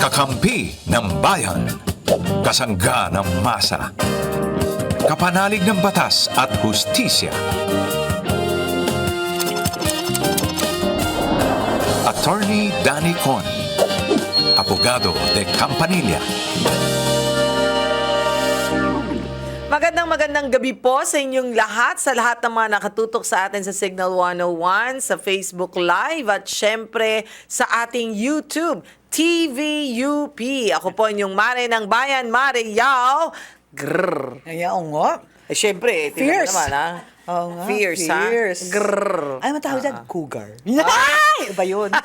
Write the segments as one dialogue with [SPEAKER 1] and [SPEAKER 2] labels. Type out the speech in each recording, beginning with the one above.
[SPEAKER 1] Kakampi ng bayan. Kasangga ng masa. Kapanalig ng batas at hustisya. Attorney Danny Con. Abogado de Campanilla.
[SPEAKER 2] Magandang gabi po sa inyong lahat, sa lahat ng mga nakatutok sa atin sa Signal 101, sa Facebook Live at syempre sa ating YouTube, TVUP. Ako po inyong Mare ng Bayan, Mare Yao. Grrr.
[SPEAKER 3] Ayaw nga.
[SPEAKER 2] Syempre, tingnan
[SPEAKER 3] Fierce.
[SPEAKER 2] naman ha.
[SPEAKER 3] Oo nga,
[SPEAKER 2] Fierce, ha?
[SPEAKER 3] fierce.
[SPEAKER 2] Grrr.
[SPEAKER 3] Ay, matawag dyan, cougar. Ay! Iba yun.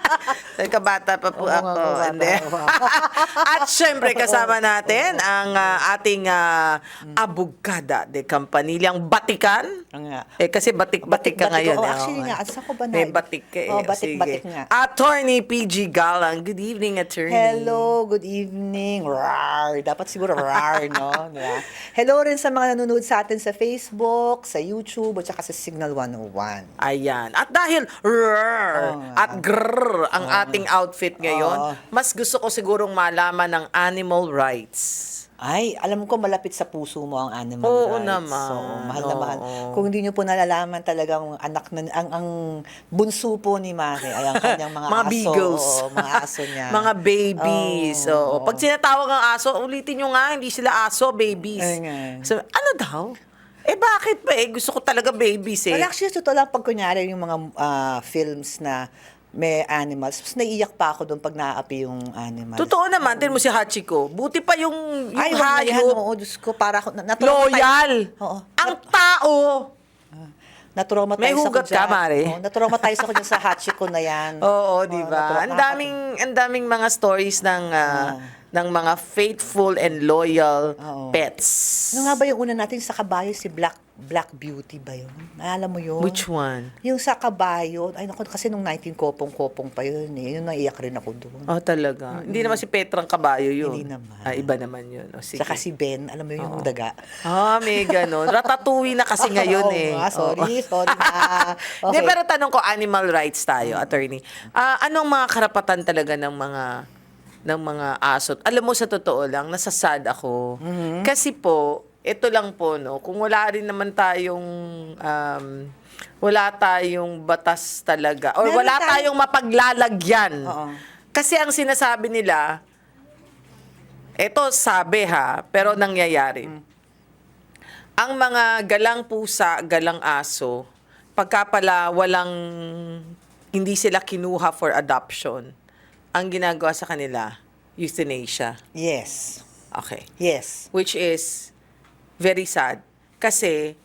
[SPEAKER 2] Kabata pa po
[SPEAKER 3] Oo nga,
[SPEAKER 2] ako.
[SPEAKER 3] kabata.
[SPEAKER 2] Hindi. At syempre, kasama natin ang ating abogada de Campanilla, ang batikan.
[SPEAKER 3] Nga.
[SPEAKER 2] Kasi batik-batik ka
[SPEAKER 3] Batik-batik.
[SPEAKER 2] ngayon.
[SPEAKER 3] Oh, actually nga, saan ko ba na?
[SPEAKER 2] May batik ka eh.
[SPEAKER 3] Oh, batik-batik
[SPEAKER 2] Sige.
[SPEAKER 3] nga.
[SPEAKER 2] Attorney PG Galang. Good evening, attorney.
[SPEAKER 3] Hello, good evening. Rar. Dapat siguro rar, no? Diba? Hello rin sa mga nanonood sa atin sa Facebook, sa YouTube, at saka sa Signal 101.
[SPEAKER 2] Ayan. At dahil rrr, at grrr ang ating outfit ngayon,
[SPEAKER 3] Oo.
[SPEAKER 2] mas gusto ko sigurong malaman ng animal rights.
[SPEAKER 3] Ay, alam ko malapit sa puso mo ang animal
[SPEAKER 2] Oo
[SPEAKER 3] rights.
[SPEAKER 2] naman.
[SPEAKER 3] So, mahal na mahal.
[SPEAKER 2] Oo.
[SPEAKER 3] Kung hindi niyo po nalalaman talagang anak na ang bunso po ni Mare ay ang kanyang mga
[SPEAKER 2] Mga
[SPEAKER 3] aso.
[SPEAKER 2] beagles.
[SPEAKER 3] Oo, mga aso niya.
[SPEAKER 2] Mga babies.
[SPEAKER 3] Oo.
[SPEAKER 2] Oo. Pag sinatawag ang aso, ulitin nyo nga, hindi sila aso, babies.
[SPEAKER 3] Ay nga.
[SPEAKER 2] So, ano daw? Bakit ba? Gusto ko talaga babies eh.
[SPEAKER 3] Well, actually, totoo lang pag kunyari yung mga films na may animals, mas naiiyak pa ako doon pag naaapi yung animals.
[SPEAKER 2] Totoo naman, din mo si Hachiko. Buti pa yung
[SPEAKER 3] Ay, wag na yan.
[SPEAKER 2] hayop.
[SPEAKER 3] Oo, Diyos ko, para ako,
[SPEAKER 2] Loyal.
[SPEAKER 3] Oo.
[SPEAKER 2] Ang tao.
[SPEAKER 3] Na-traumatize
[SPEAKER 2] May hugat
[SPEAKER 3] ako dyan.
[SPEAKER 2] ka, Mare?
[SPEAKER 3] Oo, na-traumatize ako dyan sa Hachiko na yan.
[SPEAKER 2] Oo, di ba?
[SPEAKER 3] na-trauma-
[SPEAKER 2] Ang daming mga stories ng mga faithful and loyal
[SPEAKER 3] Oo.
[SPEAKER 2] pets.
[SPEAKER 3] Ano nga ba yung una natin sa kabayo, si Black Beauty ba yun? Alam mo yun?
[SPEAKER 2] Which one?
[SPEAKER 3] Yung sa kabayo, ay naku, kasi nung 19 kopong-kopong pa yun eh. Yun naiyak rin ako doon.
[SPEAKER 2] Oh, talaga. Hindi naman si Petrang Kabayo yun.
[SPEAKER 3] Hindi naman.
[SPEAKER 2] Iba naman yun. O, sige.
[SPEAKER 3] Saka si Ben, alam mo yun, yung daga.
[SPEAKER 2] May ganun. Ratatouille na kasi ngayon
[SPEAKER 3] Oo
[SPEAKER 2] eh.
[SPEAKER 3] nga, sorry na.
[SPEAKER 2] Hindi,
[SPEAKER 3] Okay.
[SPEAKER 2] pero tanong ko, animal rights tayo, attorney. Anong mga karapatan talaga ng mga aso? Alam mo, sa totoo lang, nasasad ako. Kasi po, ito lang po, no, kung wala rin naman tayong wala tayong batas talaga or
[SPEAKER 3] Meron
[SPEAKER 2] wala tayong mapaglalagyan.
[SPEAKER 3] Oo.
[SPEAKER 2] Kasi ang sinasabi nila, ito sabi ha, pero nangyayari. Ang mga galang pusa, galang aso, pagka pala hindi sila kinuha for adoption, ang ginagawa sa kanila, euthanasia.
[SPEAKER 3] Yes.
[SPEAKER 2] Okay.
[SPEAKER 3] Yes.
[SPEAKER 2] Which is very sad. Kasi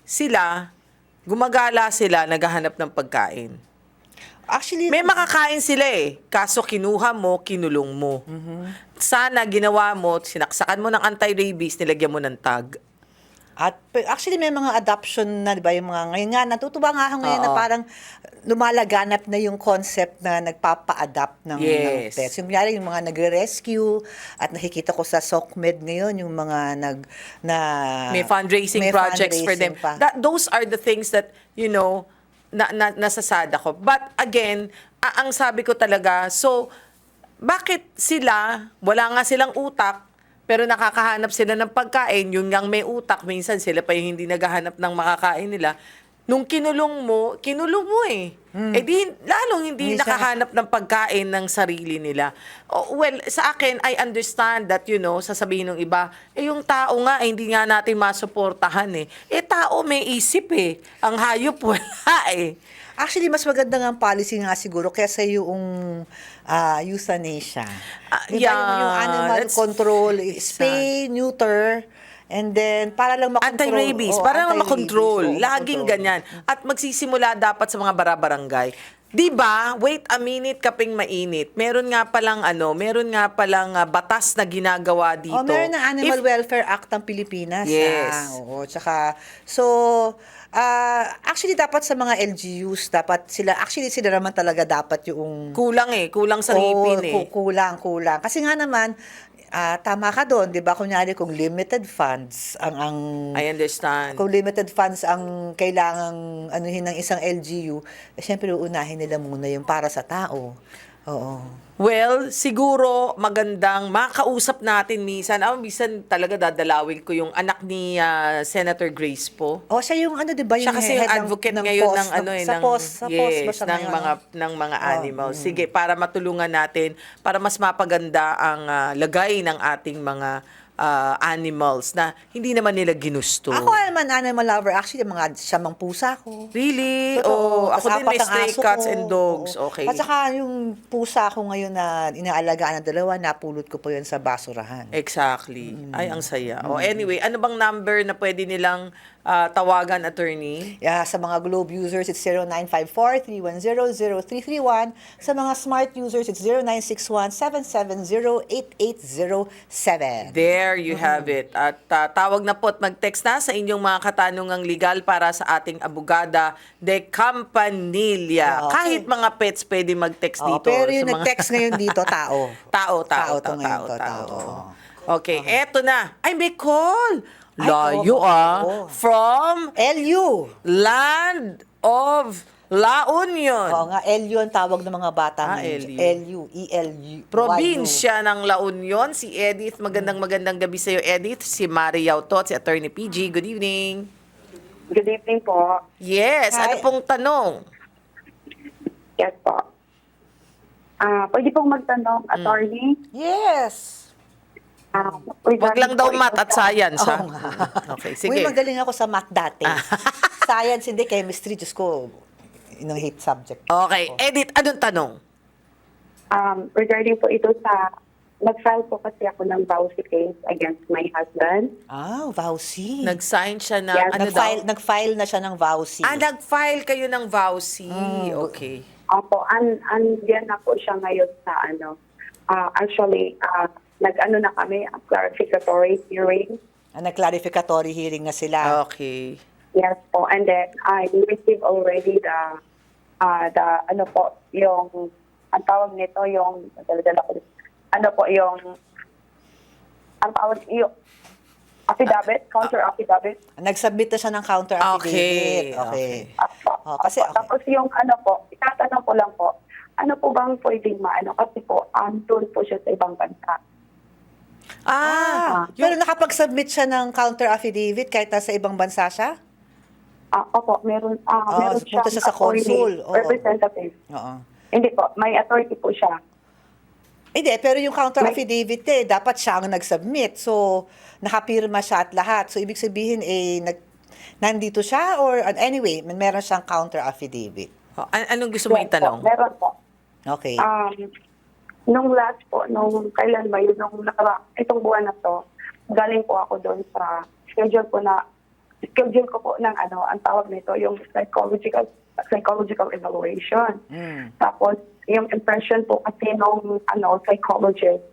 [SPEAKER 2] gumagala sila, naghahanap ng pagkain.
[SPEAKER 3] Actually,
[SPEAKER 2] May makakain sila eh. Kaso kinuha mo, kinulong mo. Sana ginawa mo, sinaksakan mo ng anti-rabies, nilagyan mo ng tag.
[SPEAKER 3] At actually may mga adoption na, 'di ba, yung mga ngayon nga natutuwa nga ako ngayon na
[SPEAKER 2] Oo.
[SPEAKER 3] parang lumalaganap na yung concept na nagpapa-adapt ng
[SPEAKER 2] Yes.
[SPEAKER 3] pets. Yung kunyari, yung mga nagre-rescue at nakikita ko sa SOCMED ngayon yung mga
[SPEAKER 2] May fundraising
[SPEAKER 3] may
[SPEAKER 2] projects for them.
[SPEAKER 3] fundraising pa.
[SPEAKER 2] Those are the things that, nasasad ako. But again, ang sabi ko talaga, so, bakit wala nga silang utak, pero nakakahanap sila ng pagkain, yung ngang may utak, minsan sila pa yung hindi naghahanap ng makakain nila. Nung kinulong mo eh. Lalong hindi
[SPEAKER 3] Hindi siya-
[SPEAKER 2] nakahanap ng pagkain ng sarili nila. Well, sa akin, I understand that, sasabihin ng iba, yung tao nga, hindi nga natin masuportahan eh. Tao may isip eh. Ang hayop wala eh.
[SPEAKER 3] Actually, mas maganda nga ang policy nga siguro kaysa yung euthanasia. Diba, yung animal
[SPEAKER 2] that's
[SPEAKER 3] control, spay, neuter, and then para lang makontrol.
[SPEAKER 2] Anti-rabies,
[SPEAKER 3] Oo,
[SPEAKER 2] para lang
[SPEAKER 3] anti-rabies.
[SPEAKER 2] makontrol.
[SPEAKER 3] Oo,
[SPEAKER 2] Laging
[SPEAKER 3] makontrol.
[SPEAKER 2] ganyan. At magsisimula dapat sa mga barabarangay. Di ba? Wait a minute, kaping mainit. Meron nga palang batas na ginagawa dito.
[SPEAKER 3] Meron ng Animal
[SPEAKER 2] If-
[SPEAKER 3] Welfare Act ng Pilipinas.
[SPEAKER 2] Yes.
[SPEAKER 3] Oo, tsaka, actually dapat sa mga LGUs, sila naman talaga dapat yung
[SPEAKER 2] Kulang sa ngipin eh.
[SPEAKER 3] Kulang. Kasi nga naman, tama ka doon, 'di ba? Kunyari kung limited funds
[SPEAKER 2] I understand.
[SPEAKER 3] kung limited funds ang kailangang anuhin ng isang LGU, syempre uunahin nila muna yung para sa tao. Oo.
[SPEAKER 2] Well, siguro magandang makausap natin minsan. Minsan talaga dadalawin ko yung anak ni Senator Grace po.
[SPEAKER 3] O, siya yung ano, di ba?
[SPEAKER 2] Siya kasi yung
[SPEAKER 3] head
[SPEAKER 2] advocate ngayon
[SPEAKER 3] POS,
[SPEAKER 2] ng ano
[SPEAKER 3] sa
[SPEAKER 2] ng
[SPEAKER 3] POS. Sa POS ba
[SPEAKER 2] yes,
[SPEAKER 3] siya
[SPEAKER 2] ng
[SPEAKER 3] ngayon?
[SPEAKER 2] mga animals. Sige, para matulungan natin para mas mapaganda ang lagay ng ating mga animals na hindi naman nila ginusto.
[SPEAKER 3] Ako naman animal lover. Actually, mga siyamang pusa ko.
[SPEAKER 2] Really?
[SPEAKER 3] Totoo.
[SPEAKER 2] Ako
[SPEAKER 3] Tas
[SPEAKER 2] din may
[SPEAKER 3] apat ang
[SPEAKER 2] stray
[SPEAKER 3] aso
[SPEAKER 2] cats
[SPEAKER 3] ko.
[SPEAKER 2] and dogs.
[SPEAKER 3] Oo.
[SPEAKER 2] Okay.
[SPEAKER 3] At saka yung pusa ko ngayon na inaalagaan ng dalawa, napulot ko po yun sa basurahan.
[SPEAKER 2] Exactly. Ay, ang saya. Anyway, ano bang number na pwede nilang tawagan, attorney?
[SPEAKER 3] Yeah, sa mga Globe users, it's 0954-310-0331. Sa mga Smart users, it's 0961-770-8807.
[SPEAKER 2] There you have it. At tawag na po at mag-text na sa inyong mga katanungang legal para sa ating abogada de Campanilla.
[SPEAKER 3] Okay.
[SPEAKER 2] Kahit mga pets pwede mag-text
[SPEAKER 3] Oo,
[SPEAKER 2] dito.
[SPEAKER 3] pero yung
[SPEAKER 2] sa mga-
[SPEAKER 3] nag-text ngayon dito, tao.
[SPEAKER 2] Tao.
[SPEAKER 3] to ngayon to, tao.
[SPEAKER 2] Okay, eto na. Ay, may call.
[SPEAKER 3] Ay,
[SPEAKER 2] Layo
[SPEAKER 3] oo.
[SPEAKER 2] From
[SPEAKER 3] LU.
[SPEAKER 2] Land of La Union.
[SPEAKER 3] Oo nga, LU ang tawag ng mga bata
[SPEAKER 2] LU.
[SPEAKER 3] LU, E-L-U.
[SPEAKER 2] Probinsya ng La Union, si Edith. Magandang gabi sa iyo, Edith. Si Mariao to, si Attorney PG. Good evening.
[SPEAKER 4] Good evening po.
[SPEAKER 2] Yes,
[SPEAKER 3] Hi.
[SPEAKER 2] ano pong tanong?
[SPEAKER 4] Yes po. Pwede pong magtanong, attorney?
[SPEAKER 3] Yes.
[SPEAKER 2] Wag lang daw math at science, ha?
[SPEAKER 3] Oo nga.
[SPEAKER 2] Okay,
[SPEAKER 3] Uy,
[SPEAKER 2] sige.
[SPEAKER 3] magaling ako sa math dati. Science, hindi. Chemistry, Diyos ko, inang hate subject.
[SPEAKER 2] Okay, Edith, anong tanong?
[SPEAKER 4] Regarding po ito sa, nag-file po kasi ako ng vowsy case against my husband.
[SPEAKER 3] Vowsy.
[SPEAKER 2] Nag-sign siya ng,
[SPEAKER 4] Yes,
[SPEAKER 2] ano
[SPEAKER 3] nag-file,
[SPEAKER 2] daw?
[SPEAKER 3] nag-file na siya ng vowsy.
[SPEAKER 2] Nag-file kayo ng vowsy. Okay.
[SPEAKER 4] Opo, andyan na po siya ngayon sa actually, nag-ano na kami, clarificatory hearing.
[SPEAKER 3] Nag-clarificatory hearing na sila.
[SPEAKER 2] Okay.
[SPEAKER 4] Yes po, and then I received already the ano po, yung, ang tawag nito, yung, ano po, yung, ang tawag, yung, affidavit, counter affidavit.
[SPEAKER 3] Nag-submit na siya ng counter affidavit.
[SPEAKER 2] Okay.
[SPEAKER 3] Oh, kasi, okay.
[SPEAKER 4] Tapos yung ano po, itatanong ko lang po, ano po bang pwedeng maano? Kasi po, doon po siya sa ibang bansa.
[SPEAKER 3] Pero nakapag-submit siya ng counter affidavit kahit nasa ibang bansa siya?
[SPEAKER 4] Opo, meron
[SPEAKER 3] punta siya sa consul. Oo.
[SPEAKER 4] Representative.
[SPEAKER 3] Oo.
[SPEAKER 4] Hindi po, may authority po siya.
[SPEAKER 3] Hindi, pero yung counter affidavit dapat siya ang nag-submit. So, nakapirma siya at lahat. So, ibig sabihin, nandito siya or anyway, meron siyang counter affidavit.
[SPEAKER 2] Anong gusto mo
[SPEAKER 4] Yes
[SPEAKER 2] itanong?
[SPEAKER 4] po, meron po.
[SPEAKER 3] Okay.
[SPEAKER 4] Nung last po, nung kailan ba yun, itong buwan na to, galing po ako doon sa schedule ko po ng ang tawag nito, yung psychological evaluation. Tapos, yung impression po kasi nung psychologist,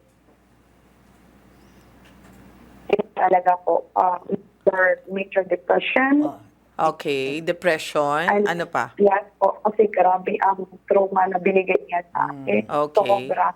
[SPEAKER 4] talaga po, major depression.
[SPEAKER 2] Okay, depression. Ano pa?
[SPEAKER 4] Yes po, kasi grabe ang trauma na binigay niya sa akin.
[SPEAKER 2] Okay.
[SPEAKER 4] Sobra.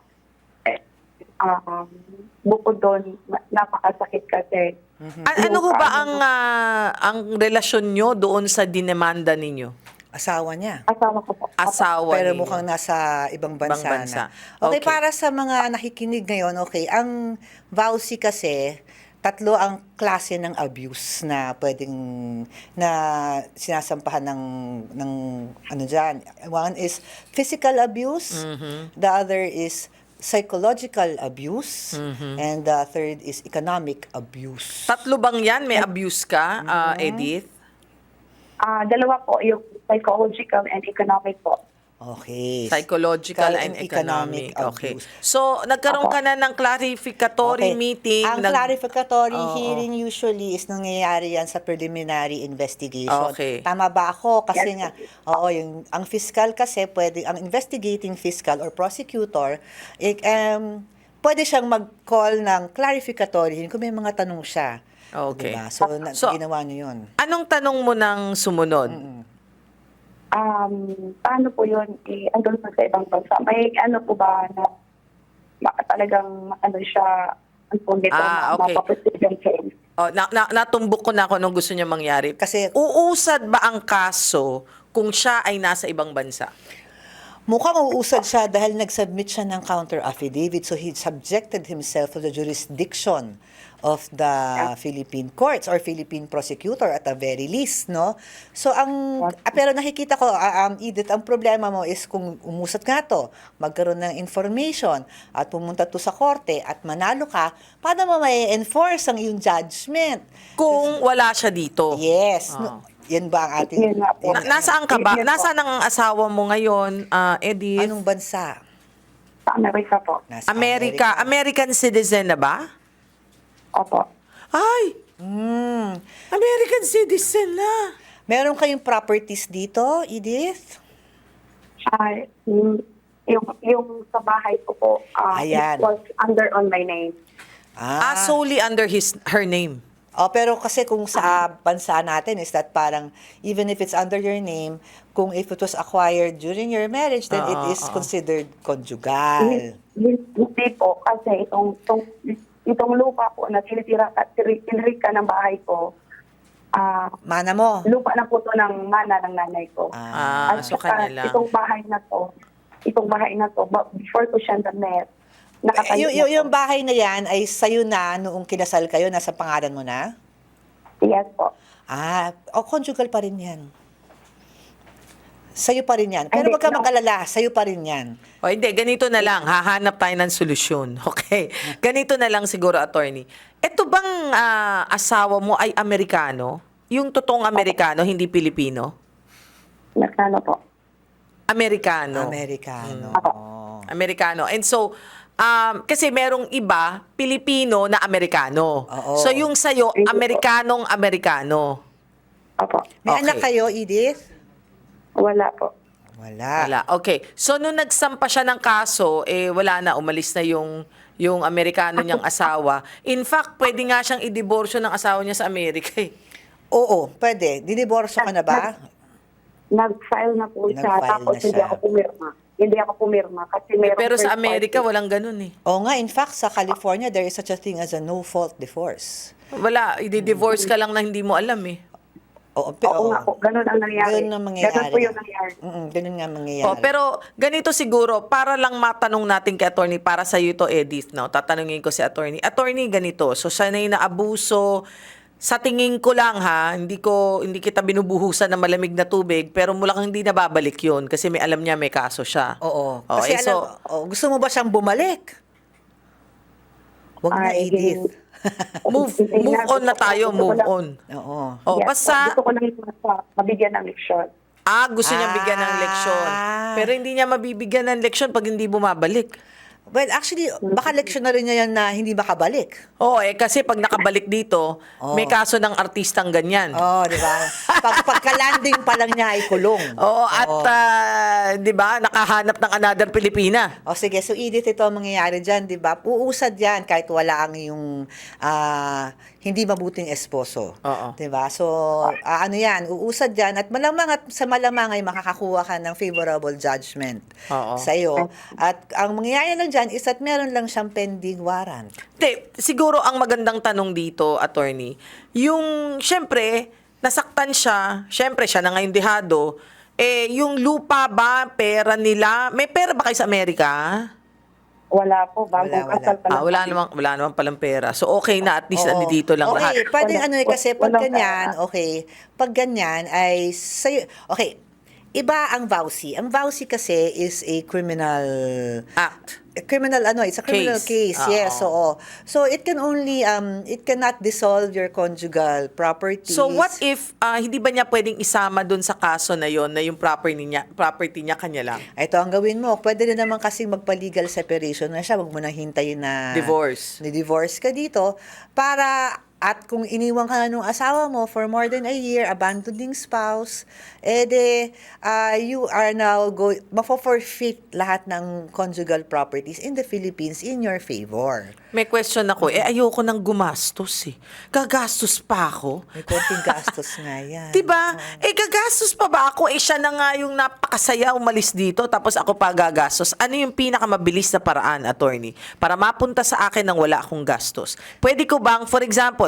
[SPEAKER 4] Bukod doon, napakasakit kasi.
[SPEAKER 2] Ano ho ba ang relasyon nyo doon sa dinemanda ninyo?
[SPEAKER 3] Asawa niya.
[SPEAKER 4] Asawa ko po.
[SPEAKER 2] Asawa
[SPEAKER 3] Pero
[SPEAKER 2] ninyo.
[SPEAKER 3] mukhang nasa ibang bansa,
[SPEAKER 2] Ibang bansa.
[SPEAKER 3] na. Okay,
[SPEAKER 2] Okay.
[SPEAKER 3] para sa mga nakikinig ngayon, okay, ang vowsy kasi, tatlo ang klase ng abuse na pwedeng na sinasampahan ng ano dyan. One is physical abuse, the other is psychological abuse, and the third is economic abuse.
[SPEAKER 2] Tatlo bang yan? May abuse ka, Edith?
[SPEAKER 4] Dalawa po, yung psychological and economic po.
[SPEAKER 3] Okay.
[SPEAKER 2] Psychological and economic. Okay. So, nagkaroon ka na ng clarificatory meeting.
[SPEAKER 3] Ang clarificatory hearing usually is nangyayari yan sa preliminary investigation.
[SPEAKER 2] Okay.
[SPEAKER 3] Tama ba ako? Kasi
[SPEAKER 4] Yes.
[SPEAKER 3] nga, ang fiscal kasi ang investigating fiscal or prosecutor, pwede siyang mag-call ng clarificatory hearing kung may mga tanong siya.
[SPEAKER 2] Okay.
[SPEAKER 3] Diba? So,
[SPEAKER 2] So,
[SPEAKER 3] ginawa niyo yun.
[SPEAKER 2] Anong tanong mo ng sumunod?
[SPEAKER 4] Paano po yun, andun pa sa ibang bansa? May ano po ba na talagang siya, ang po nito,
[SPEAKER 2] Okay.
[SPEAKER 4] mapaposition change?
[SPEAKER 2] Natumbok ko na kung anong gusto niya mangyari.
[SPEAKER 3] Kasi-
[SPEAKER 2] uusad ba ang kaso kung siya ay nasa ibang bansa?
[SPEAKER 3] Mukhang uusad siya dahil nag-submit siya ng counter affidavit, so he subjected himself to the jurisdiction of the Philippine courts or Philippine prosecutor at the very least, no? So pero nakikita ko, Edith, ang problema mo is kung umusad nga to, magkaroon ng information at pumunta to sa korte at manalo ka, paano mo may enforce ang iyong judgment?
[SPEAKER 2] Kung wala siya dito.
[SPEAKER 3] Yes.
[SPEAKER 2] Oh.
[SPEAKER 3] Yan ba ang ating...
[SPEAKER 4] Yun nga po.
[SPEAKER 2] Nasaan ka ba?
[SPEAKER 4] Yes po.
[SPEAKER 2] Nasaan ang asawa mo ngayon, Edith?
[SPEAKER 3] Anong bansa?
[SPEAKER 4] Sa Amerika po.
[SPEAKER 3] Nasa
[SPEAKER 2] America. American citizen na ba?
[SPEAKER 4] Opo.
[SPEAKER 2] Ay,
[SPEAKER 3] Hmm.
[SPEAKER 2] American citizen na.
[SPEAKER 3] Meron kayong properties dito, Edith?
[SPEAKER 4] Ay, yung sa bahay ko po,
[SPEAKER 3] Ayan.
[SPEAKER 4] it was under on my name.
[SPEAKER 2] Solely under her name.
[SPEAKER 3] Oh, pero kasi kung sa bansa natin is that parang even if it's under your name, kung if it was acquired during your marriage, then it is considered conjugal.
[SPEAKER 4] Hindi po, kasi itong lupa po na tinitira ka ng bahay ko,
[SPEAKER 3] Mana mo?
[SPEAKER 4] lupa na po to ng mana ng nanay ko.
[SPEAKER 2] So
[SPEAKER 4] saka
[SPEAKER 2] kanya lang.
[SPEAKER 4] itong bahay na to, before ko siya na-met, nakatayo na
[SPEAKER 3] Yung
[SPEAKER 4] po.
[SPEAKER 3] bahay na yan ay sa'yo na noong kinasal kayo, nasa pangalan mo na?
[SPEAKER 4] Yes po.
[SPEAKER 3] Conjugal pa rin yan. Sa'yo pa rin yan. Pero
[SPEAKER 4] Hindi,
[SPEAKER 3] wag ka
[SPEAKER 4] no.
[SPEAKER 3] mag-alala, sa'yo pa rin yan.
[SPEAKER 2] O hindi, ganito na lang. Hahanap tayo ng solusyon. Okay. Ganito na lang siguro, attorney. Ito bang asawa mo ay Amerikano? Yung totoong Amerikano, hindi Pilipino?
[SPEAKER 4] Nagkano po.
[SPEAKER 2] Amerikano.
[SPEAKER 3] Amerikano.
[SPEAKER 2] Amerikano. And so, kasi merong iba, Pilipino na Amerikano.
[SPEAKER 3] Oo.
[SPEAKER 2] So yung sa'yo,
[SPEAKER 4] Hindi po.
[SPEAKER 2] Amerikanong Amerikano.
[SPEAKER 4] Opo.
[SPEAKER 3] May
[SPEAKER 2] Okay.
[SPEAKER 3] anak kayo, Edith?
[SPEAKER 4] Wala po.
[SPEAKER 3] Wala.
[SPEAKER 2] Wala. Okay. So nung nagsampa siya ng kaso, wala na, umalis na yung Amerikano niyang asawa. In fact, pwede nga siyang i-divorce ng asawa niya sa Amerika eh.
[SPEAKER 3] Oo, pwede. Diniborso ka na ba?
[SPEAKER 4] Nag-file na po siya,
[SPEAKER 3] Nag-file
[SPEAKER 4] tapos
[SPEAKER 3] na
[SPEAKER 4] hindi
[SPEAKER 3] siya.
[SPEAKER 4] ako pumirma. Hindi ako pumirma kasi meron
[SPEAKER 2] Pero sa
[SPEAKER 4] third
[SPEAKER 2] Amerika,
[SPEAKER 4] party.
[SPEAKER 2] walang ganun eh.
[SPEAKER 3] Oo nga, in fact, sa California, there is such a thing as a no-fault divorce.
[SPEAKER 2] Wala, i-divorce ka lang na hindi mo alam eh.
[SPEAKER 3] Oo,
[SPEAKER 4] Oo nga po, ganun ang nangyari.
[SPEAKER 3] Ganun ang mangyayari.
[SPEAKER 4] Ganun po yung nangyari.
[SPEAKER 3] Ganun nga mangyayari.
[SPEAKER 2] Pero ganito siguro, para lang matanong natin kay attorney, para sa iyo to, Edith, no? Tatanungin ko si attorney. Attorney, ganito, so siya na yung naabuso. Sa tingin ko lang ha, hindi kita binubuhusan ng malamig na tubig, pero mukhang hindi nababalik yun kasi may alam niya may kaso siya.
[SPEAKER 3] Oo.
[SPEAKER 2] Oh,
[SPEAKER 3] Kasi
[SPEAKER 2] so,
[SPEAKER 3] gusto mo ba siyang bumalik? Wag na,
[SPEAKER 4] Ay,
[SPEAKER 3] Edith.
[SPEAKER 2] move on na tayo, move on.
[SPEAKER 3] Oo.
[SPEAKER 2] Oh,
[SPEAKER 4] Yes,
[SPEAKER 2] basta
[SPEAKER 4] gusto ko lang mabigyan ng leksyon.
[SPEAKER 2] gusto niya bigyan ng leksyon. Pero hindi niya mabibigyan ng leksyon pag hindi bumabalik.
[SPEAKER 3] Well, actually, baka leksyon na rin niya yan na hindi makabalik.
[SPEAKER 2] Oo, kasi pag nakabalik dito, may kaso ng artistang ganyan.
[SPEAKER 3] Oo, di ba? Pagka-landing pa lang niya ay kulong.
[SPEAKER 2] Oo, at 'di ba, nakahanap ng another Pilipina.
[SPEAKER 3] O sige, so Edith, ito ang mangyayari dyan, di ba? Uusad yan kahit wala ang yung hindi mabuting esposo.
[SPEAKER 2] Oo.
[SPEAKER 3] Di ba? So, ano yan, uusad yan at malamang at sa malamang ay makakakuha ka ng favorable judgment
[SPEAKER 2] Oo.
[SPEAKER 3] sa iyo. At ang mangyayari lang dyan is that meron lang siyang pending warrant.
[SPEAKER 2] Siguro ang magandang tanong dito, attorney, yung syempre, nasaktan siya, syempre siya na ngayon dehado, yung lupa ba, pera nila, may pera ba kayo sa Amerika?
[SPEAKER 4] Wala po, bagong
[SPEAKER 3] Wala.
[SPEAKER 4] kasal pa lang.
[SPEAKER 2] Wala naman palang pera. So okay na, at least
[SPEAKER 3] Oo.
[SPEAKER 2] dito lang lahat.
[SPEAKER 3] Okay, pwede
[SPEAKER 4] Wala-
[SPEAKER 3] ano kasi pag
[SPEAKER 4] walang
[SPEAKER 3] ganyan,
[SPEAKER 4] pera.
[SPEAKER 3] pag ganyan ay sa'yo, okay, iba ang vowsy. Ang vowsy kasi is a criminal it's a criminal case.
[SPEAKER 2] Oo.
[SPEAKER 3] Yes, oo. So it can only it cannot dissolve your conjugal properties.
[SPEAKER 2] So what if hindi ba niya pwedeng isama dun sa kaso na yon na yung property niya kanya lang?
[SPEAKER 3] Ito ang gawin mo. Pwede rin naman kasing magpa-legal separation na siya. Huwag mo nang hintayin na Ni-divorce ka dito para at kung iniwan ka na nung asawa mo for more than a year, abandoning spouse, you are now mafo-forfeit lahat ng conjugal properties in the Philippines in your favor.
[SPEAKER 2] May question ako, ayoko nang gumastos eh. Gagastos pa ako.
[SPEAKER 3] May konting gastos nga yan.
[SPEAKER 2] Diba? Gagastos pa ba ako? Siya na nga yung napakasaya umalis dito, tapos ako pa gagastos. Ano yung pinakamabilis na paraan, attorney, para mapunta sa akin nang wala akong gastos? Pwede ko bang, for example,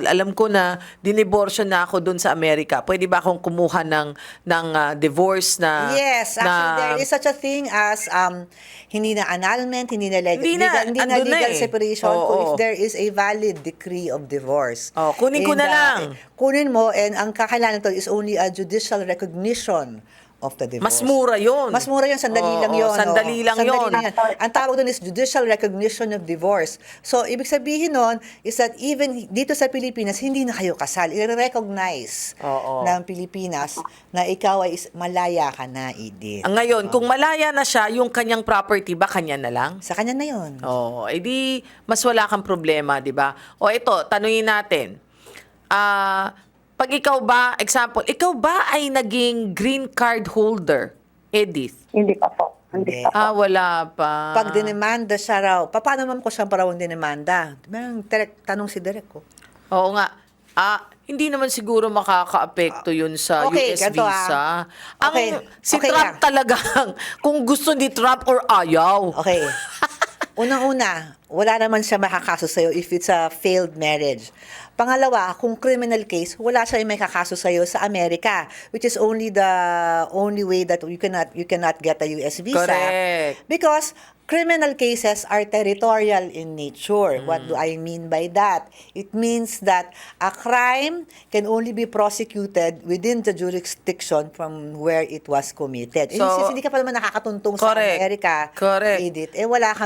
[SPEAKER 2] alam ko na diniborsyo na ako doon sa Amerika. Pwede ba akong kumuha ng divorce na...
[SPEAKER 3] Yes, actually, there is such a thing as hindi na annulment, hindi na legal,
[SPEAKER 2] Hindi na,
[SPEAKER 3] hindi na
[SPEAKER 2] andun na
[SPEAKER 3] legal
[SPEAKER 2] eh.
[SPEAKER 3] separation
[SPEAKER 2] Oo.
[SPEAKER 3] kung if there is a valid decree of divorce.
[SPEAKER 2] Oh, kunin ko na lang.
[SPEAKER 3] Kunin mo, and ang kakailangan to is only a judicial recognition of the divorce.
[SPEAKER 2] Mas mura yun.
[SPEAKER 3] Mas mura yun, sandali
[SPEAKER 2] Oo,
[SPEAKER 3] lang yun.
[SPEAKER 2] sandali lang yun.
[SPEAKER 3] Ang tawag doon is judicial recognition of divorce. So, ibig sabihin nun is that even dito sa Pilipinas, hindi na kayo kasal. I-recognize
[SPEAKER 2] Oo.
[SPEAKER 3] ng Pilipinas na ikaw ay malaya ka na, Edith.
[SPEAKER 2] Ngayon, kung malaya na siya, yung kanyang property ba, kanya na lang?
[SPEAKER 3] Sa kanya na yun.
[SPEAKER 2] Oh, edi mas wala kang problema, 'di ba? O ito, tanungin natin. Pag ikaw ba, example, ikaw ba ay naging green card holder, Edith?
[SPEAKER 4] Hindi pa po. Hindi pa po.
[SPEAKER 2] Wala pa.
[SPEAKER 3] Pag dinemanda siya raw, paano ma'am ko siya parang dinemanda? Merong tanong si Derek ko.
[SPEAKER 2] Oo nga. Hindi naman siguro makaka-apekto yun sa
[SPEAKER 3] Okay,
[SPEAKER 2] US
[SPEAKER 3] ganito,
[SPEAKER 2] visa. Ang
[SPEAKER 3] Okay,
[SPEAKER 2] si
[SPEAKER 3] okay
[SPEAKER 2] Trump
[SPEAKER 3] lang.
[SPEAKER 2] talagang kung gusto ni Trump or ayaw.
[SPEAKER 3] Okay. Unang-una, wala naman siya makakaso sa'yo if it's a failed marriage. Pangalawa, kung criminal case, wala siya may kakaso sa'yo sa Amerika, which is only the only way that you cannot get a US visa.
[SPEAKER 2] Correct.
[SPEAKER 3] Because criminal cases are territorial in nature. What do I mean by that? It means that a crime can only be prosecuted within the jurisdiction from where it was committed.
[SPEAKER 2] So,
[SPEAKER 3] Since hindi ka pa naman nakakatuntong sa
[SPEAKER 2] correct.
[SPEAKER 3] Amerika,
[SPEAKER 2] Correct.
[SPEAKER 3] Edith,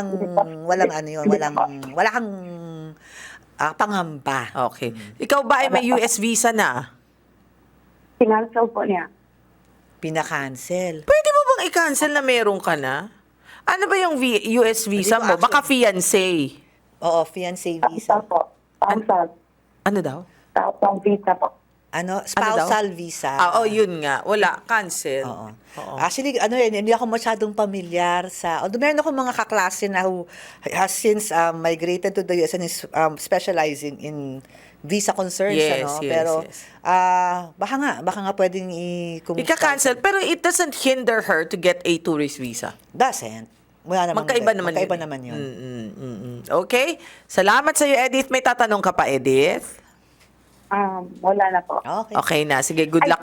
[SPEAKER 3] wala kang pangamba.
[SPEAKER 2] Okay. Ikaw ba ay may US visa na?
[SPEAKER 4] Sinansel po niya.
[SPEAKER 3] Pinakancel.
[SPEAKER 2] Pwede mo bang i-cancel na meron ka na? Ano ba yung US visa mo?
[SPEAKER 3] Hindi ko
[SPEAKER 2] Baka fiancé.
[SPEAKER 3] Oo, fiancé
[SPEAKER 4] Spousal
[SPEAKER 3] visa.
[SPEAKER 4] po. Spousal.
[SPEAKER 2] Ano daw?
[SPEAKER 4] Spousal visa po.
[SPEAKER 3] Spousal visa.
[SPEAKER 2] Yun nga. Wala. Cancel.
[SPEAKER 3] Oo.
[SPEAKER 2] Oo.
[SPEAKER 3] Actually, hindi ako masyadong pamilyar sa... Although meron ako mga kaklase na who has since migrated to the US and is specializing in visa concerns.
[SPEAKER 2] Yes, yes,
[SPEAKER 3] Pero,
[SPEAKER 2] yes.
[SPEAKER 3] baka nga pwedeng kung
[SPEAKER 2] Ika-cancel. Pero it doesn't hinder her to get a tourist visa.
[SPEAKER 3] Doesn't. Wala naman.
[SPEAKER 2] Magkaiba naman
[SPEAKER 3] yun.
[SPEAKER 2] Okay. Salamat sa iyo, Edith. May tatanong ka pa, Edith?
[SPEAKER 4] Wala na po.
[SPEAKER 3] Okay.
[SPEAKER 2] Okay na. Sige, good luck.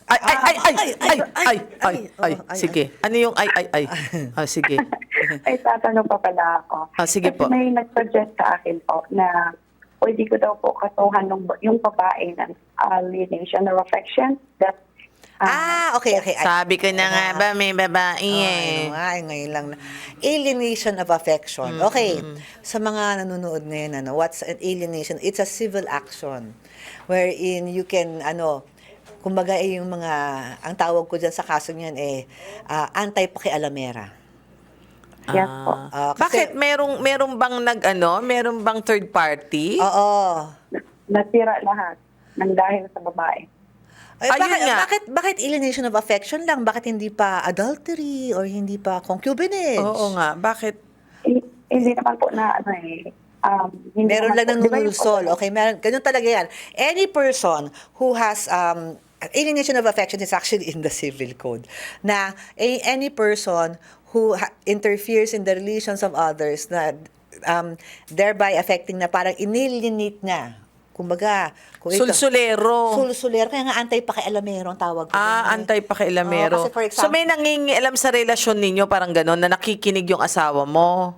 [SPEAKER 2] Sige. Ano yung ay? Sige.
[SPEAKER 4] Ay, tatanong pa pala ako.
[SPEAKER 2] Sige
[SPEAKER 4] Kasi
[SPEAKER 2] po.
[SPEAKER 4] may nag-suggest sa akin po na pwede ko daw po kasuhan yung babae ng alienation of affection. That,
[SPEAKER 3] Okay.
[SPEAKER 2] Sabi ko na nga ba, may babae eh.
[SPEAKER 3] Ngayon lang na. Alienation of affection. Okay. Sa mga nanonood ngayon, what's an alienation? It's a civil action wherein you can, kumbaga yung mga, ang tawag ko dyan sa kaso niyan anti-pakialamera.
[SPEAKER 4] yes po.
[SPEAKER 2] Bakit? Merong bang meron bang third party?
[SPEAKER 3] Oo.
[SPEAKER 4] Nasira lahat ng dahil sa babae.
[SPEAKER 2] Ayun nga.
[SPEAKER 3] Bakit alienation of affection lang? Bakit hindi pa adultery or hindi pa concubinage?
[SPEAKER 2] Oo nga. Bakit?
[SPEAKER 4] Hindi naman po na hindi
[SPEAKER 3] Meron
[SPEAKER 4] naman
[SPEAKER 3] lang ng
[SPEAKER 4] po- di ba yung
[SPEAKER 3] nunulsol.
[SPEAKER 4] po-
[SPEAKER 3] Okay, ganun talaga yan. Any person who has alienation of affection is actually in the civil code. Na any person who interferes in the relations of others na thereby affecting na parang inalienate na. Kumbaga,
[SPEAKER 2] Sulsulero.
[SPEAKER 3] Sulsulero. Kaya nga anti-pakialamero ang tawag ko.
[SPEAKER 2] Antay-pakialamero.
[SPEAKER 3] Oo, kasi for example-
[SPEAKER 2] So may nangingialam sa relasyon ninyo, parang gano'n, na nakikinig yung asawa mo?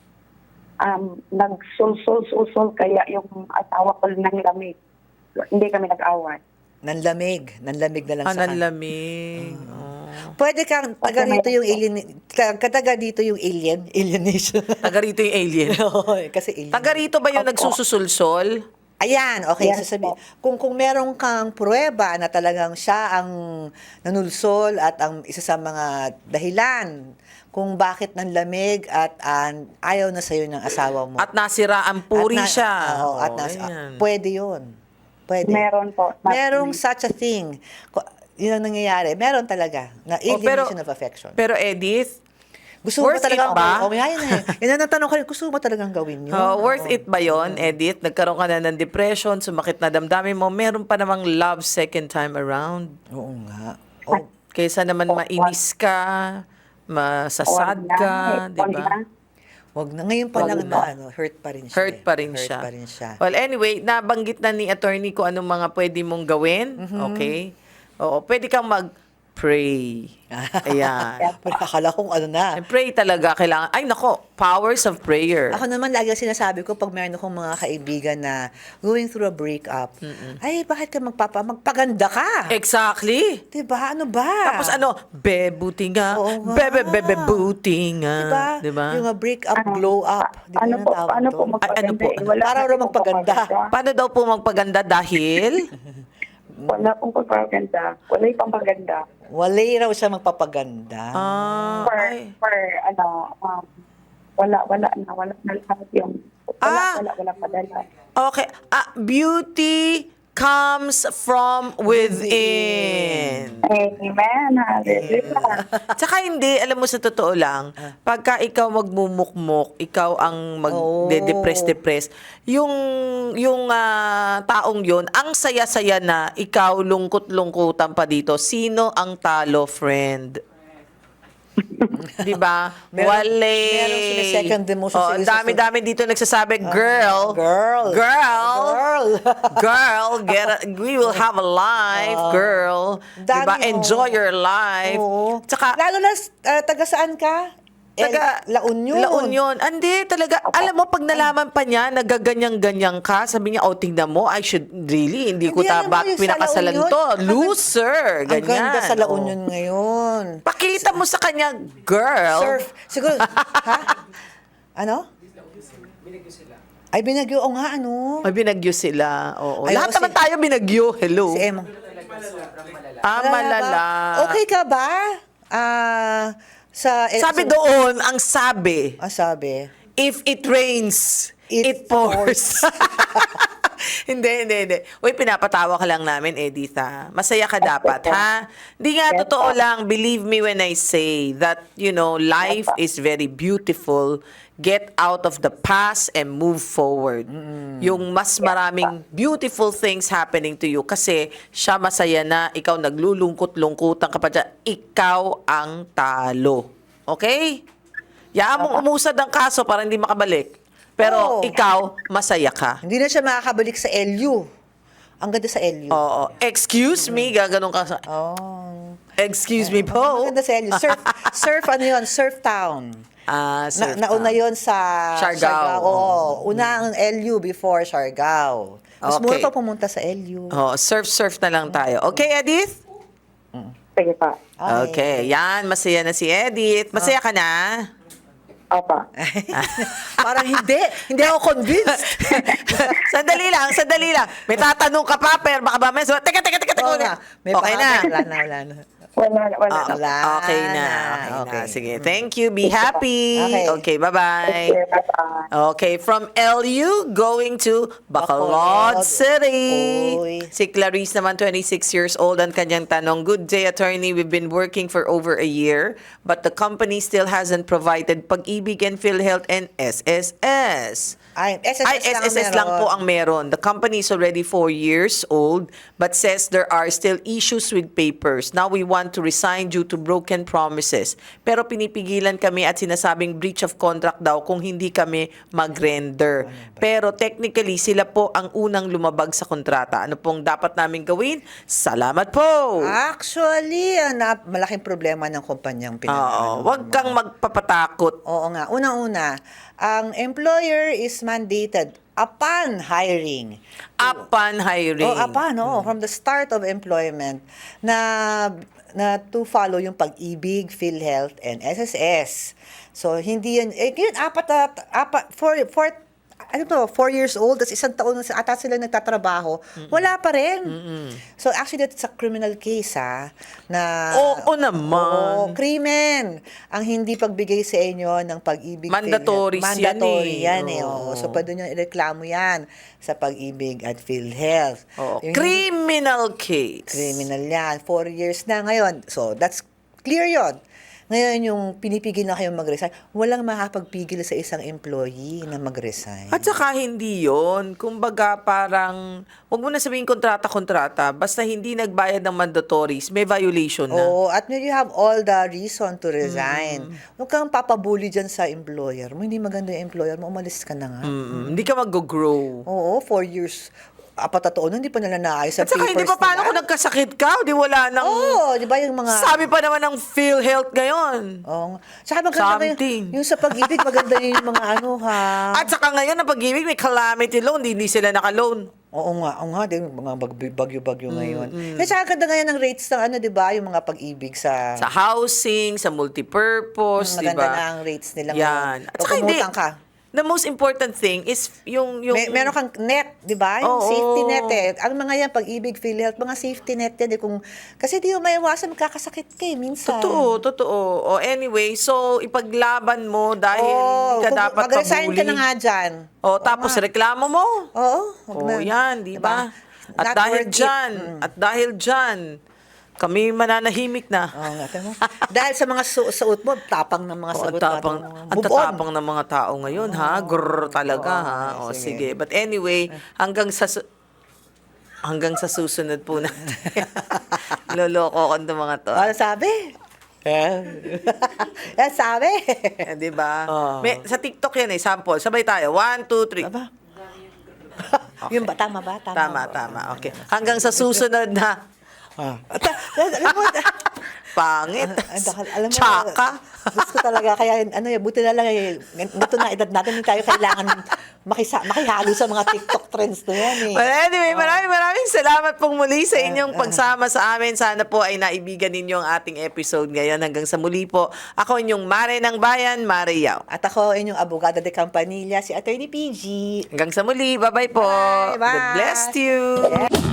[SPEAKER 4] nagsulsul kaya yung asawa ko ng lamig. Hindi kami nag-away.
[SPEAKER 3] Nanlamig na lang sa kanya.
[SPEAKER 2] Nanlamig.
[SPEAKER 3] Pwede kang taga rito yung alienation.
[SPEAKER 2] Taga rito yung alien.
[SPEAKER 3] Oo, kasi alien.
[SPEAKER 2] Taga rito ba yung
[SPEAKER 4] Opo.
[SPEAKER 2] nagsususulsol?
[SPEAKER 3] Ayan, okay,
[SPEAKER 4] Yes,
[SPEAKER 3] sasabi.
[SPEAKER 4] po.
[SPEAKER 3] Kung meron kang pruweba na talagang siya ang nanulsol at ang isa sa mga dahilan kung bakit nanlamig at ayaw na sa'yo ng asawa mo.
[SPEAKER 2] At nasira ang puri siya.
[SPEAKER 3] Oo,
[SPEAKER 2] Ayan.
[SPEAKER 3] pwede yun. Pwede.
[SPEAKER 4] Meron po.
[SPEAKER 3] Merong such a thing. Yun ang nangyayari. Meron talaga na alienation of affection.
[SPEAKER 2] Pero Edith,
[SPEAKER 3] Gusto mo
[SPEAKER 2] worth
[SPEAKER 3] talaga
[SPEAKER 2] it ba?
[SPEAKER 3] Yan ang tanong ko rin. Gusto mo talagang gawin yun?
[SPEAKER 2] worth it ba yon, Edith? Nagkaroon ka na ng depression, sumakit na damdamin mo, meron pa namang love second time around.
[SPEAKER 3] Oo nga. Oh,
[SPEAKER 2] Kaysa naman mainis ka, masasad ka, di ba?
[SPEAKER 3] Wag na. Ngayon pa lang
[SPEAKER 2] Wag
[SPEAKER 3] na,
[SPEAKER 2] na.
[SPEAKER 3] hurt pa rin siya.
[SPEAKER 2] Hurt pa rin
[SPEAKER 3] Hurt
[SPEAKER 2] siya.
[SPEAKER 3] pa rin siya.
[SPEAKER 2] Well, anyway, nabanggit na ni attorney kung anong mga pwede mong gawin. Okay? Oo, pwede kang mag-pray. Ayan.
[SPEAKER 3] Pero akala kong ano na.
[SPEAKER 2] And pray talaga kailangan. Ay, nako, powers of prayer.
[SPEAKER 3] Ako naman, lagi ang sinasabi ko pag meron akong mga kaibigan na going through a breakup, ay, bakit ka magpaganda ka?
[SPEAKER 2] Exactly.
[SPEAKER 3] Diba? Ano ba?
[SPEAKER 2] Tapos ano, buti nga.
[SPEAKER 3] Oo nga.
[SPEAKER 2] Buti nga.
[SPEAKER 3] Diba? Yung break-up, glow up. Diba
[SPEAKER 4] Ano
[SPEAKER 3] yun ang
[SPEAKER 4] po,
[SPEAKER 3] tawag
[SPEAKER 4] ano po
[SPEAKER 3] doon?
[SPEAKER 4] magpaganda?
[SPEAKER 2] Ano po?
[SPEAKER 4] Wala
[SPEAKER 3] Para
[SPEAKER 4] kasi
[SPEAKER 3] raw
[SPEAKER 4] pong
[SPEAKER 3] magpaganda.
[SPEAKER 4] papaganda.
[SPEAKER 2] Paano daw po magpaganda dahil?
[SPEAKER 4] Wala pong pagpaganda. Wala yung pampaganda.
[SPEAKER 3] Walay raw siya magpapaganda.
[SPEAKER 4] Wala na lahat yung, wala padala.
[SPEAKER 2] Okay. Beauty comes from within.
[SPEAKER 4] Amen. Hallelujah.
[SPEAKER 2] Tsaka hindi, alam mo sa totoo lang, pagka ikaw magmumukmok, ikaw ang mag-depress, yung taong yun, ang saya-saya na, ikaw lungkot-lungkutan pa dito, sino ang talo, friend? Diba?
[SPEAKER 3] Merong sinesecond emotion
[SPEAKER 2] Oh,
[SPEAKER 3] sa isa.
[SPEAKER 2] dami-dami dito nagsasabi, girl, we will have a life, girl.
[SPEAKER 3] Dami,
[SPEAKER 2] Diba?
[SPEAKER 3] oh.
[SPEAKER 2] Enjoy your life.
[SPEAKER 3] Oo.
[SPEAKER 2] Tsaka,
[SPEAKER 3] Lalo na, taga saan ka? La Union.
[SPEAKER 2] La Union. Hindi, talaga. Alam mo, pag nalaman pa niya, nagaganyan-ganyan ka, sabi niya, tingnan mo, I should really, hindi ko
[SPEAKER 3] Hindi, alam mo,
[SPEAKER 2] tabak
[SPEAKER 3] yung sa La
[SPEAKER 2] pinakasalan
[SPEAKER 3] Union,
[SPEAKER 2] to. Loser.
[SPEAKER 3] Ang
[SPEAKER 2] Ganyan.
[SPEAKER 3] ganda sa La
[SPEAKER 2] Oh.
[SPEAKER 3] Union ngayon.
[SPEAKER 2] Pakita mo sa kanya, girl.
[SPEAKER 3] Surf. Siguro, ha? Ano? Ay, binagyo. O nga, ano?
[SPEAKER 2] May binagyo sila. Oo.
[SPEAKER 3] Ay,
[SPEAKER 2] Lahat
[SPEAKER 3] ako
[SPEAKER 2] naman
[SPEAKER 3] si-
[SPEAKER 2] tayo binagyo. Hello.
[SPEAKER 3] Si Emma.
[SPEAKER 2] Malala.
[SPEAKER 3] Okay ka ba?
[SPEAKER 2] Sabi doon, ang sabi,
[SPEAKER 3] sabi?
[SPEAKER 2] if it rains, it
[SPEAKER 3] It
[SPEAKER 2] pours. Hindi. Uy, pinapatawa ka lang namin, Edith, ha? Masaya ka dapat, ha? Hindi nga, totoo lang, believe me when I say that, life is very beautiful. Get out of the past and move forward. Yung mas maraming beautiful things happening to you kasi siya masaya na, ikaw naglulungkot-lungkutan ka pa dyan, ikaw ang talo. Okay? Yaan mong umusad ang kaso para hindi makabalik. Pero
[SPEAKER 3] Oo.
[SPEAKER 2] ikaw, masaya ka.
[SPEAKER 3] Hindi na siya makakabalik sa LU. Ang ganda sa LU.
[SPEAKER 2] Oo. Excuse me, gaganon ka sa...
[SPEAKER 3] Oh.
[SPEAKER 2] Excuse me
[SPEAKER 3] Ang
[SPEAKER 2] po.
[SPEAKER 3] ganda sa LU. Surf ano yun? Surf Town.
[SPEAKER 2] Surf
[SPEAKER 3] Nauna
[SPEAKER 2] town.
[SPEAKER 3] yon sa
[SPEAKER 2] Siargao.
[SPEAKER 3] Oo. Una ang LU before Siargao. Mas
[SPEAKER 2] Okay.
[SPEAKER 3] mura pa pumunta sa LU.
[SPEAKER 2] Surf na lang tayo. Okay, Edith?
[SPEAKER 4] Sige pa.
[SPEAKER 2] Okay. Yan, masaya na si Edith. Masaya ka na?
[SPEAKER 4] Opa.
[SPEAKER 3] Parang hindi. Hindi ako convinced.
[SPEAKER 2] Sandali lang. May tatanong ka pa, pero baka ba may... Teka.
[SPEAKER 3] Oo nga. May
[SPEAKER 2] Okay na.
[SPEAKER 3] Wala na.
[SPEAKER 4] Wala
[SPEAKER 2] Ah,
[SPEAKER 4] na.
[SPEAKER 2] okay na.
[SPEAKER 3] Okay.
[SPEAKER 2] Sige. Thank you. Be happy. Okay,
[SPEAKER 3] Okay.
[SPEAKER 2] bye-bye.
[SPEAKER 4] Okay, bye-bye.
[SPEAKER 2] Okay, from LU going to Bacolod
[SPEAKER 3] Bacolod.
[SPEAKER 2] City.
[SPEAKER 3] Uy.
[SPEAKER 2] Si Clarice naman, 26 years old. Ang kanyang tanong, good day, attorney. We've been working for over a year, but the company still hasn't provided Pag-ibig and PhilHealth and SSS.
[SPEAKER 3] Ay,
[SPEAKER 2] SSS lang po ang meron. The company is already 4 years old but says there are still issues with papers. Now we want to resign due to broken promises. Pero pinipigilan kami at sinasabing breach of contract daw kung hindi kami mag-render. Pero technically, sila po ang unang lumabag sa kontrata. Ano pong dapat namin gawin? Salamat po!
[SPEAKER 3] Actually, malaking problema ng kumpanyang
[SPEAKER 2] Oo, wag kang magpapatakot.
[SPEAKER 3] Oo nga. Unang-una, ang employer is mandated upon hiring.
[SPEAKER 2] Upon hiring.
[SPEAKER 3] From the start of employment na to follow yung Pag-ibig, PhilHealth, and SSS. So, hindi yan, yun, 4 years old, tapos isang taon na ata sila nagtatrabaho, wala pa rin. So, actually, that's a criminal case, na,
[SPEAKER 2] Oo naman.
[SPEAKER 3] Oo, krimen. Ang hindi pagbigay sa inyo ng Pag-ibig,
[SPEAKER 2] Mandatory
[SPEAKER 3] PhilHealth.
[SPEAKER 2] yan
[SPEAKER 3] Mandatory
[SPEAKER 2] eh.
[SPEAKER 3] yan
[SPEAKER 2] Oo.
[SPEAKER 3] So, pwede nyo ireklamo yan sa Pag-ibig at PhilHealth.
[SPEAKER 2] Oo.
[SPEAKER 3] Yung
[SPEAKER 2] Criminal case.
[SPEAKER 3] Criminal yan. 4 years na ngayon. So, that's clear yon. Ngayon, yung pinipigil na kayong mag-resign, walang makakapagpigil sa isang employee na mag-resign.
[SPEAKER 2] At saka hindi yon. Kumbaga parang, huwag mo na sabihin kontrata, basta hindi nagbayad ng mandatories, may violation na.
[SPEAKER 3] Oo, at when you have all the reason to resign, huwag kang papabuli dyan sa employer mo. Hindi maganda yung employer mo, umalis ka na nga.
[SPEAKER 2] Hindi ka mag-grow.
[SPEAKER 3] Oo, 4 years. Apat na taon, hindi pa nila naayos sa
[SPEAKER 2] At saka
[SPEAKER 3] papers
[SPEAKER 2] hindi pa paano
[SPEAKER 3] nila.
[SPEAKER 2] kung nagkasakit ka, di wala nang...
[SPEAKER 3] Oo, di ba yung mga...
[SPEAKER 2] Sabi pa naman ng PhilHealth ngayon.
[SPEAKER 3] Oo. Saka maganda
[SPEAKER 2] Something.
[SPEAKER 3] yung sa pag-ibig, maganda yung mga ano ha.
[SPEAKER 2] At saka ngayon, ang pag-ibig, may calamity loan, hindi sila naka-loan.
[SPEAKER 3] Oo nga, din mga bagyo-bagyo ngayon. Kasi saka ganda ngayon ng rates ng ano, di ba, yung mga pag-ibig sa...
[SPEAKER 2] Sa housing, sa multipurpose, di
[SPEAKER 3] maganda
[SPEAKER 2] ba?
[SPEAKER 3] na ang rates nila
[SPEAKER 2] Yan.
[SPEAKER 3] ngayon.
[SPEAKER 2] At saka hindi,
[SPEAKER 3] Pag umutang ka.
[SPEAKER 2] the most important thing is yung
[SPEAKER 3] Meron kang net, di ba? Yung
[SPEAKER 2] Oo.
[SPEAKER 3] safety net eh. Ang mga yan, pag-ibig, PhilHealth, mga safety net yan. Eh, kasi di mo maiwasan, magkakasakit ka eh, minsan.
[SPEAKER 2] Totoo. O anyway, so ipaglaban mo dahil hindi ka
[SPEAKER 3] kung
[SPEAKER 2] dapat
[SPEAKER 3] mag-resign
[SPEAKER 2] pabuli.
[SPEAKER 3] ka na nga dyan.
[SPEAKER 2] O tapos reklamo mo.
[SPEAKER 3] Oo. wag
[SPEAKER 2] O
[SPEAKER 3] na.
[SPEAKER 2] yan, di ba?
[SPEAKER 3] Diba?
[SPEAKER 2] At
[SPEAKER 3] Not
[SPEAKER 2] dahil
[SPEAKER 3] worth it.
[SPEAKER 2] dyan, kami mananahimik na.
[SPEAKER 3] Oo nga, tama. Dahil sa mga suot mo, tapang ng mga
[SPEAKER 2] O,
[SPEAKER 3] sagot
[SPEAKER 2] ang
[SPEAKER 3] Move on.
[SPEAKER 2] tatapang ng mga tao ngayon, ha? Grrr talaga, ha? O,
[SPEAKER 3] sige.
[SPEAKER 2] sige. But anyway, hanggang sa susunod po natin. Loloko ko ng mga to.
[SPEAKER 3] Ano sabi? Yan sabi.
[SPEAKER 2] Eh, di ba? Sa TikTok yan eh, sample. Sabay tayo. 1, 2, 3.
[SPEAKER 3] Aba. Yung ba? Tama ba?
[SPEAKER 2] Tama. Okay. Hanggang sa susunod na
[SPEAKER 3] Alam mo,
[SPEAKER 2] pangit.
[SPEAKER 3] alam mo,
[SPEAKER 2] Tsaka.
[SPEAKER 3] gusto talaga, kaya buti na lang, ganito na edad natin, hindi tayo kailangan makihalo sa mga TikTok trends na yan eh.
[SPEAKER 2] Well, anyway, maraming salamat pong muli sa inyong pagsama sa amin. Sana po ay naibigan ninyo ang ating episode ngayon. Hanggang sa muli po, ako inyong Mare ng Bayan, Mare Yao.
[SPEAKER 3] At ako, inyong abogada de Campanilla, si Attorney PG.
[SPEAKER 2] Hanggang sa muli, bye-bye po.
[SPEAKER 3] Bye.
[SPEAKER 2] God bless you.
[SPEAKER 3] Yeah.